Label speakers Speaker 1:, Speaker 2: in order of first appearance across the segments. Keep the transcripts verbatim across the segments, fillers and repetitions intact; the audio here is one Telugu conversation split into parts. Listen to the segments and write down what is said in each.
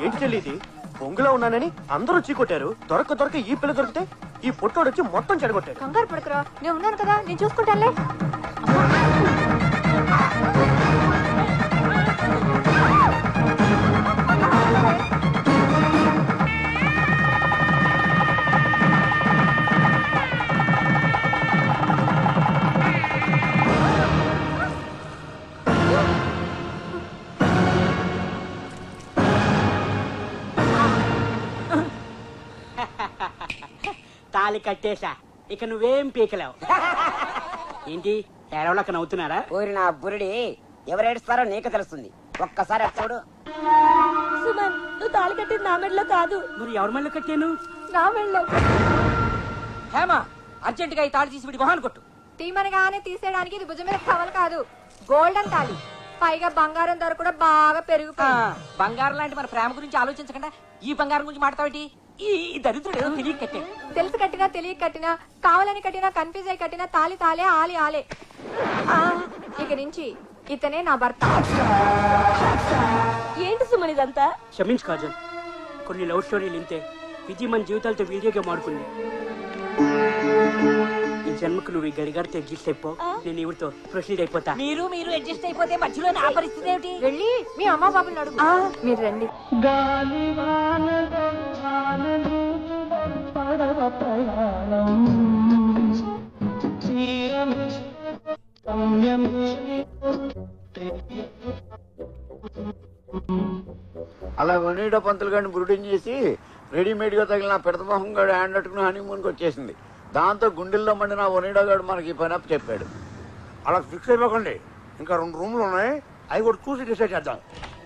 Speaker 1: ఏంటి చెల్లి ఇది? పొంగులో ఉన్నానని అందరూ చీకొట్టారు. దొరక దొరక ఈ పిల్ల దొరికితే ఈ పొట్టోడు వచ్చి మొత్తం చెడగొట్టాడు.
Speaker 2: కంగారు పడకరా, నేను ఉన్నాను కదా, నేను చూసుకుంటానులే.
Speaker 3: తాళి కట్టేశా, ఇక నువ్వేం పీకలేవు. ఏంటి ఏడవలక నవ్వుతున్నారా?
Speaker 4: ఊరి నా బురుడి ఎవరేడుస్తారో నీకు తెలుస్తుంది. ఒక్కసారి చూడు.
Speaker 2: సుమన్, నువ్వు తాళి కట్టింది నా మెడలో కాదు.
Speaker 3: మరి ఎవరి మళ్ళీ కట్టాను?
Speaker 2: నా మెడలో.
Speaker 4: హేమా, అర్జెంట్ గా ఈ తాళి తీసి వీడి మొహాన్ని కొట్టు.
Speaker 2: తీమనగానే తీసేయడానికి ఇది భుజం మీద కవలు కాదు, గోల్డెన్ తాళి. పైగా బంగారం ధర కూడా బాగా పెరుగుతుంది.
Speaker 4: బంగారం లాంటి మన ప్రేమ గురించి ఆలోచించకుండా ఈ బంగారం గురించి మాట్లాడతావేంటి? ఈ దరిద్రుడు ఏదో తెలియక కట్టే.
Speaker 2: తెలిసి కట్టినా తెలియక కట్టినా, కావాలని కట్టినా, కన్ఫ్యూజ్ అయి కట్టినా, తాలి తాలే ఆలి ఆలే. ఇక నుంచి ఇతనే నా భర్త. ఏంటి సుమన్ ఇదంతా?
Speaker 3: క్షమించు కాజల్, కొన్ని లవ్ స్టోరీలు ఇంతే. విధి మన జీవితాలతో వీడియో గేమ్ ఆడుకుంది. ఈ జన్మకు నువ్వు ఈ గడిగారితో అడ్జస్ట్ అయిపో, నేను ఇవిడితో ప్రొసీడ్ అయిపోతా.
Speaker 4: మీరు మీరు అడ్జస్ట్ అయిపోతే మధ్యలో నా పరిస్థితి ఏమిటి?
Speaker 2: వెళ్ళి మీ అమ్మ బాబుని అడుగు. మీరు రండి.
Speaker 5: అలా వనీడో పంతులు గారిని బురుడిని చేసి రెడీమేడ్ గా తగిలిన పెడతమోహం గారు హ్యాండ్ అట్టుకుని హనీమూన్కి వచ్చేసింది. దాంతో గుండెల్లో మండిన వనీడో గారు మనకి ఈ పని అప్పు చెప్పాడు.
Speaker 6: అలా ఫిక్స్ అయిపోకండి, ఇంకా రెండు రూమ్లు ఉన్నాయి, అవి కూడా చూసి డిసైడ్ చేద్దాం.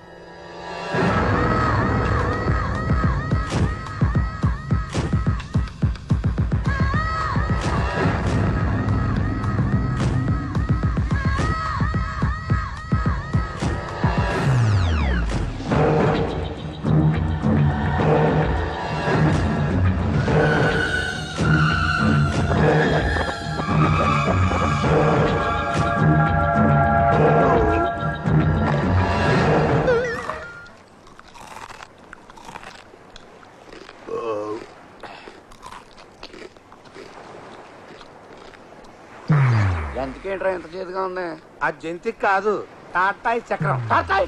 Speaker 5: ఎంతకేంట్రా ఎంత చేతిగా ఉంది?
Speaker 6: ఆ జంతికి కాదు, టాటాయి చక్రం.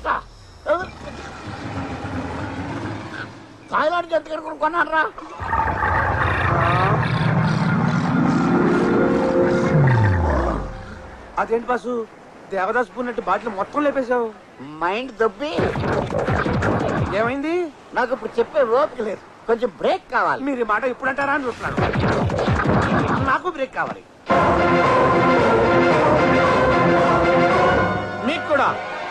Speaker 5: థాయిలాండ్ జంతి కనుక కొన్నారా?
Speaker 6: అదేంటి బాసు, దేవదాస్ పూన్నట్టు బాటిల్ మొత్తం లేపేశావు.
Speaker 5: మైండ్ దబ్బి.
Speaker 6: ఏమైంది?
Speaker 5: నాకు ఇప్పుడు చెప్పే ఓపిక లేదు, కొంచెం బ్రేక్ కావాలి.
Speaker 6: మీరు ఈ మాట ఇప్పుడు అంటారా అని చూస్తున్నాను. నాకు బ్రేక్ కావాలి. మీకు కూడా.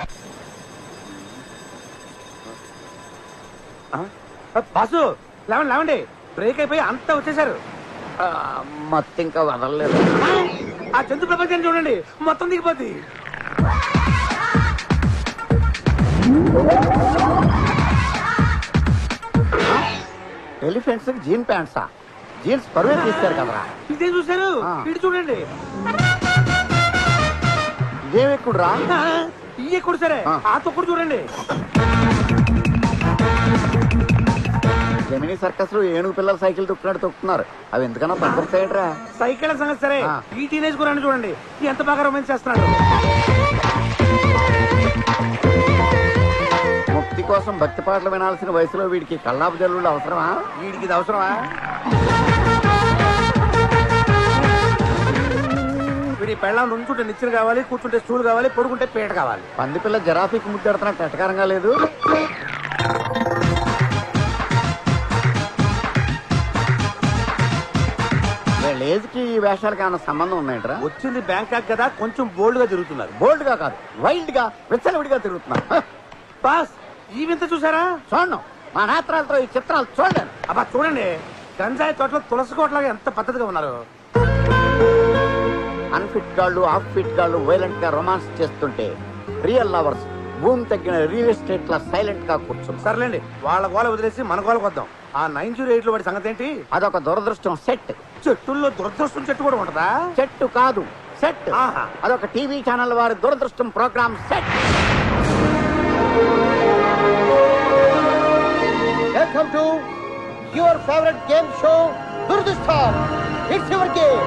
Speaker 6: బాసు లేవండి లేవండి, బ్రేక్ అయిపోయి అంతా వచ్చేసారు.
Speaker 5: మొత్తం ఇంకా వదలలేదు.
Speaker 6: ఆ జంతు ప్రపంచాన్ని చూడండి, మొత్తం దిగిపోద్ది.
Speaker 5: ఎలిఫెంట్స్ జీన్ ప్యాంట్సా? జీన్స్ పరువే తీస్తారు కదరా.
Speaker 6: ఇదే చూసారు, ఇటు చూడండి.
Speaker 5: ఇదేమి ఎక్కుడురా?
Speaker 6: ఈ ఎక్కుడు సరే, ఆ తొక్కుడు చూడండి.
Speaker 5: జమినీ సర్కస్ లో ఏనుగు పిల్లలు సైకిల్ తొక్కున్నాడు తొక్కుతున్నారు. అవి ఎందుకన్నా పద్ధతిరా?
Speaker 6: సైకిల్ సంగతి సరే, ఈ టీనేజ్ గురాన్ని చూడండి, ఎంత బాగా రొమాన్స్ చేస్తున్నాడు.
Speaker 5: ముక్తి కోసం భక్తి పాటలు వినాల్సిన వయసులో వీడికి కల్లాపు జల్లుళ్ళు అవసరమా?
Speaker 6: వీడికి ఇది అవసరమా? వీడి పెళ్ళం నుంచుంటే నిచ్చెన కావాలి, కూర్చుంటే స్టూల్ కావాలి, పడుకుంటే పీట కావాలి.
Speaker 5: పంది పిల్ల జరాఫీకి ముద్దెడుతున్నట్టు ఎటకారంగా లేదు? ఏజ్ కి ఈ వేషాలకి ఏమైనా సంబంధం ఉన్నాయంటరా?
Speaker 6: వచ్చింది బ్యాంకాక్ కదా, కొంచెం బోల్డ్ గా తిరుగుతున్నారు.
Speaker 5: బోల్డ్ గా కాదు, వైల్డ్ గా విచ్చలవిడిగా తిరుగుతున్నారు.
Speaker 6: బాస్ ఈ వింత చూసారా?
Speaker 5: చూడను, మా నేత్రాలతో ఈ చిత్రాలు చూడలేను.
Speaker 6: అబ్బా చూడండి, గంజాయి తోటలో తులసి కోటలాగా ఎంత పద్ధతిగా ఉన్నారు.
Speaker 5: అన్ఫిట్ గాళ్ళు, ఆఫ్ ఫిట్ గాళ్ళు వైలెంట్ గా రొమాన్స్ చేస్తుంటే రియల్ లవర్స్ భూమి తగ్గిన రియల్ ఎస్టేట్ లా సైలెంట్ గా కూర్చున్నారు.
Speaker 6: సర్లేండి, వాళ్ళ గోల వదిలేసి మన గోలకు వద్దాం. ఆ నైన్ జీరో ఎయిట్ లో వాడి సంగతి ఏంటి?
Speaker 5: అదొక దురదృష్టం సెట్.
Speaker 6: చెట్టుల్లో దురదృష్టం చెట్టు కూడా ఉంటదా?
Speaker 5: చెట్టు కాదు, సెట్. అదొక టీవీ ఛానల్ వారి దురదృష్టం programme set.
Speaker 7: your favorite game show, Durdustan. It's your game.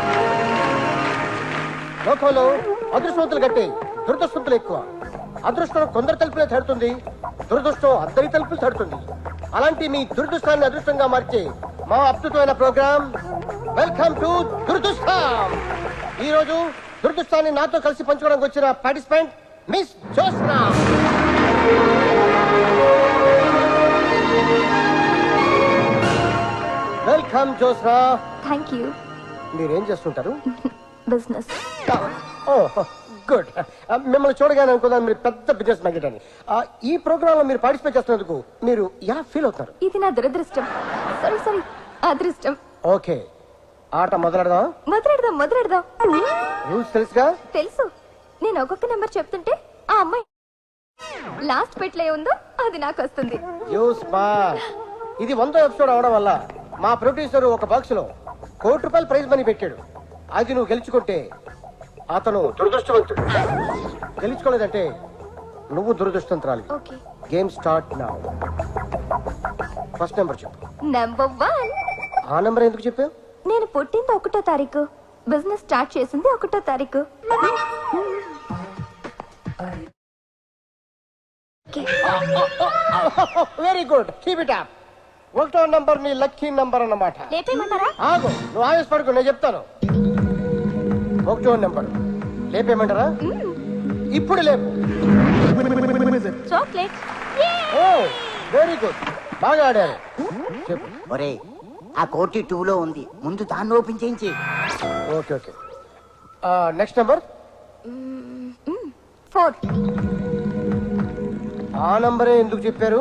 Speaker 7: లోకంలో అదృష్టవంతులు గట్టి దురదృష్టవంతులు ఎక్కువ. అదృష్టం కొందరు తలుపులే తడుతుంది, దురదృష్టం అందరి తలుపులు తడుతుంది. అలాంటి మీ దురదృష్టాన్ని అదృష్టంగా మార్చే మా అద్భుతమైన ప్రోగ్రామ్ వెల్కమ్ టు దురదృష్టం. ఈ రోజు దురదృష్టాన్ని నాతో కలిసి పంచుకోవడానికి వచ్చిన participant miss Josna. Welcome Josna.
Speaker 2: Thank you.
Speaker 7: మీరేం చేస్తుంటారు?
Speaker 2: బిజినెస్.
Speaker 7: Oh good. మిమ్మల్ని చూడగానే అనుకున్నాను మీరు పెద్ద బిజినెస్ మ్యాగ్నెట్ అని. ఆ, ఈ ప్రోగ్రామ్ లో మీరు పార్టిసిపేట్ చేస్తున్నందుకు మీరు ఎలా ఫీల్ అవుతున్నారు?
Speaker 2: ఇది నా దురదృష్టం. సారీ సారీ అదృష్టం.
Speaker 7: ఓకే, ఆట మొదలెడదాం.
Speaker 2: మొదలెడదాం మొదలెడదాం.
Speaker 7: రూల్స్ తెలుసుగా?
Speaker 2: తెలుసు. నేను ఒక్కొక్క నెంబర్ చెప్తుంటే ఆ అమ్మాయి లాస్ట్ పెట్లో ఉందో అది నాకు వస్తుంది.
Speaker 7: You smart. ఇది వందో ఎపిసోడ్ అవడం వల్ల మా ప్రొడ్యూసర్ ఒక బాక్స్ లో కోటి రూపాయలు ప్రైజ్ మనీ పెట్టాడు. అది నువ్వు గెలుచుకుంటే అతను దురదృష్టవంతుడు, గెలుచుకోలేదంటే నువ్వు దురదృష్టవంతురాలి.
Speaker 2: Okay.
Speaker 7: Game start now. First number చెప్పు.
Speaker 2: Number one.
Speaker 7: ఆ నెంబర్ ఎందుకు చెప్పావు?
Speaker 2: నేను పుట్టింది ఒకటో తారీఖు, బిజినెస్ స్టార్ట్ చేసింది ఒకటో తారీఖు.
Speaker 7: Very good, keep it up. ఒకటో నంబర్ నీ లక్కీ నంబర్ అన్నమాట.
Speaker 2: లేపేయమంటారా?
Speaker 7: ఆగు, నువ్వు ఆవేశపడకు, నేను చెప్తాను. ఒకటో నెంబర్ లేపేయమంటారా? ఇప్పుడు లేపు.
Speaker 2: చాక్లెట్.
Speaker 7: ఓ వెరీ గుడ్, బాగా ఆడారు. చెప్పు.
Speaker 4: ఒరే ఆ కోటి టూ లో ఉంది, ముందు దాన్ని ఓపెన్ చేయించి.
Speaker 7: Okay okay. Next number.
Speaker 2: Four.
Speaker 7: ఆ నంబరే ఎందుకు చెప్పారు?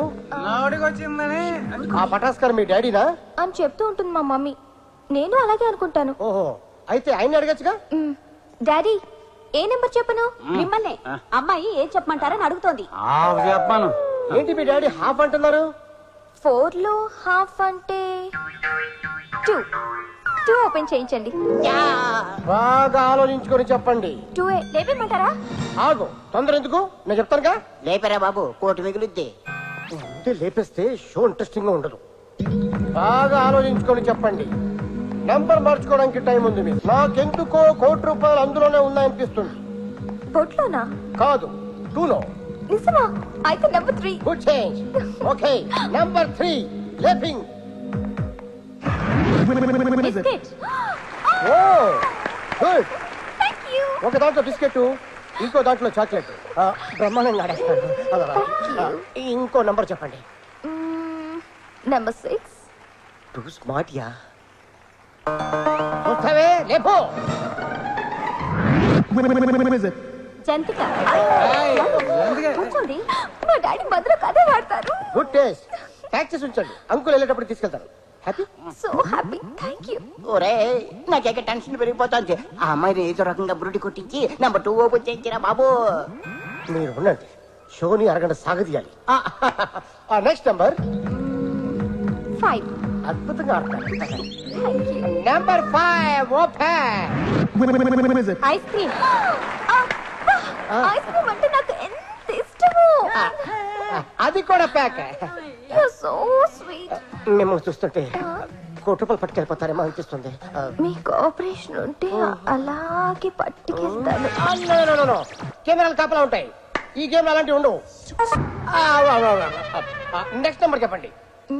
Speaker 7: ఆ పటాస్కర్ మీ డాడీనా?
Speaker 2: అని చెప్తూ ఉంటుంది మా మమ్మీ. నేను అలాగే అనుకుంటాను.
Speaker 7: ఓహో, అయితే ఆయన అడగచ్చుగా.
Speaker 2: మ్, డాడీ ఏ నెంబర్ చెప్పను?
Speaker 8: మిమ్మల్ని అమ్మాయి ఏం చెప్పమంటారని అడుగుతోంది.
Speaker 3: చెప్పాను.
Speaker 7: ఏంటి మీ డాడీ హాఫ్ అంటున్నారు?
Speaker 2: ఫోర్ లో హాఫ్ అంటే టూ. టూ ఓపెన్ చేయించండి.
Speaker 7: బాగా ఆలోచించుకొని చెప్పండి.
Speaker 2: టూ ఏ లేపేయమంటారా?
Speaker 7: ఆగు, తొందర ఎందుకు, నేను చెప్తానుగా.
Speaker 4: లేపరా బాబు, కోటి మిగులుద్ది.
Speaker 7: అంటే లేపేస్తే షో ఇంట్రెస్టింగ్ గా ఉండదు. బాగా ఆలోచించుకొని చెప్పండి. నంబర్ మార్చుకోవడానికి టైం ఉంది మీకు. నాకెందుకో కోటి రూపాయలు అందులోనే ఉన్నాయనిపిస్తుంది.
Speaker 2: బొట్లోనా?
Speaker 7: కాదు, టూలో.
Speaker 2: నిజమా? అయితే number three.
Speaker 7: Good change. Okay, number three లేపింగ్.
Speaker 2: Biscuit.
Speaker 7: Oh good.
Speaker 2: Thank you.
Speaker 7: ఒక దాంట్లో బిస్కెట్, ఇంకో దాంట్లో చాక్లెట్. ఆ, బ్రహ్మాండంగా ఆడేస్తాడు. అదరా. ఆ, ఇంకో నంబర్ చెప్పండి.
Speaker 2: Number six.
Speaker 7: టూ స్మార్ట్ యా. వస్తావే, లేపో.
Speaker 2: జంతిక. కూర్చోండి, మా డాడీ భద్రకు అదే వాడతారు.
Speaker 7: Good taste. ట్యాక్సీస్ ఉంచండి, అంకుల్ వెళ్ళేటప్పుడు తీసుకెళ్తారు. Happy.
Speaker 2: So happy. Thank you.
Speaker 4: ఒరే నాకేక టెన్షన్ పెరిగిపోతుంది. ఆ అమ్మాయిని ఏదో రకంగా బురుడి కొట్టించి నంబర్ టూ ఓపెన్ చేయించిరా బాబు.
Speaker 7: మీరు ఉండండి, షోని అరగంట సాగదీయాలి. Next number.
Speaker 2: ఫైవ్.
Speaker 7: అద్భుతంగా ఆడతారు.
Speaker 2: Thank you.
Speaker 7: Number five open.
Speaker 2: Ice cream. Ice cream అంటే నాకు ఎంత ఇష్టమో.
Speaker 7: అది కూడా ప్యాక్.
Speaker 2: You're so sweet.
Speaker 7: మిమ్మల్ని చూస్తుంటే కోటి రూపాయలు పట్టుకెళ్ళిపోతారేమో అనిపిస్తుంది.
Speaker 2: మీ కోఆపరేషన్ ఉంటే అలాగే పట్టుకెళ్తాను.
Speaker 7: కెమెరాలు కాపలా ఉంటాయి, ఈ గేమ్ అలాంటివి ఉండవు. నెక్స్ట్ నెంబర్ చెప్పండి.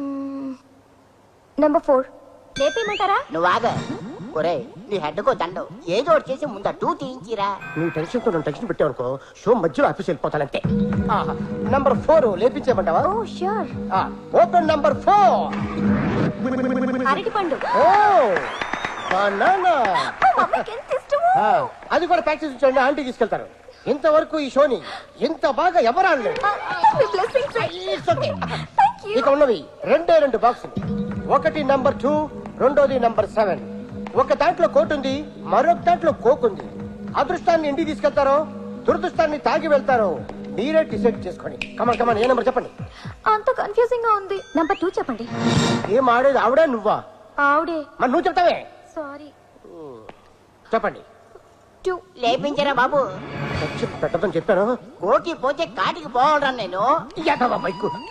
Speaker 2: Number four. లేపేయమంటారా?
Speaker 4: నువ్వు ఆగ. ఒరే నీ హెడ్ కో దండం, ఏదో ఒకటి చేసి ముందు టూ తీయించిరా.
Speaker 7: నువ్వు టెన్షన్ తో నన్ను టెన్షన్ పెట్టావు అనుకో, షో మధ్యలో ఆఫీస్ వెళ్ళిపోతానంటే. నంబర్ ఫోర్ లేపించేయమంటావా?
Speaker 2: Oh sure.
Speaker 7: Open number four.
Speaker 2: అరటిపండు.
Speaker 7: Oh banana.
Speaker 2: మా మమ్మీకి ఎంత ఇష్టమో.
Speaker 7: అది కూడా ప్రాక్టీస్ ఉంచండి, ఆంటీ తీసుకెళ్తారు. ఇంతవరకు ఈ షోని ఇంత బాగా ఎవరు ఆడలేదు.
Speaker 2: మీ blessings.
Speaker 7: It's okay.
Speaker 2: Thank you.
Speaker 7: ఇక ఉన్నవి రెండే రెండు బాక్సులు. ఒకటి నంబర్ టూ, రెండోది నంబర్ సెవెన్. ఒక దాంట్లో కోట్ ఉంది, మరొక దాంట్లో కోక్ ఉంది. అదృష్టాన్ని ఇంటికి తీసుకెళ్తారో దురదృష్టాన్ని తాగి వెళ్తారో మీరే డిసైడ్ చేసుకోండి. కమన్ కమన్, ఏ నెంబర్ చెప్పండి.
Speaker 2: అంత కన్ఫ్యూజింగ్ గా ఉంది. నెంబర్ టూ చెప్పండి.
Speaker 7: ఏం ఆడేది ఆవిడా నువ్వా?
Speaker 2: ఆవిడే.
Speaker 7: మరి నువ్వు చెప్తావే.
Speaker 2: సారీ.
Speaker 7: చెప్పండి.
Speaker 2: టూ.
Speaker 4: లేపించరా బాబు.
Speaker 7: పెట్టదని చెప్పాను.
Speaker 4: కోటి పోతే కాటికి పోవడం నేను.
Speaker 7: యాదవ బైకు.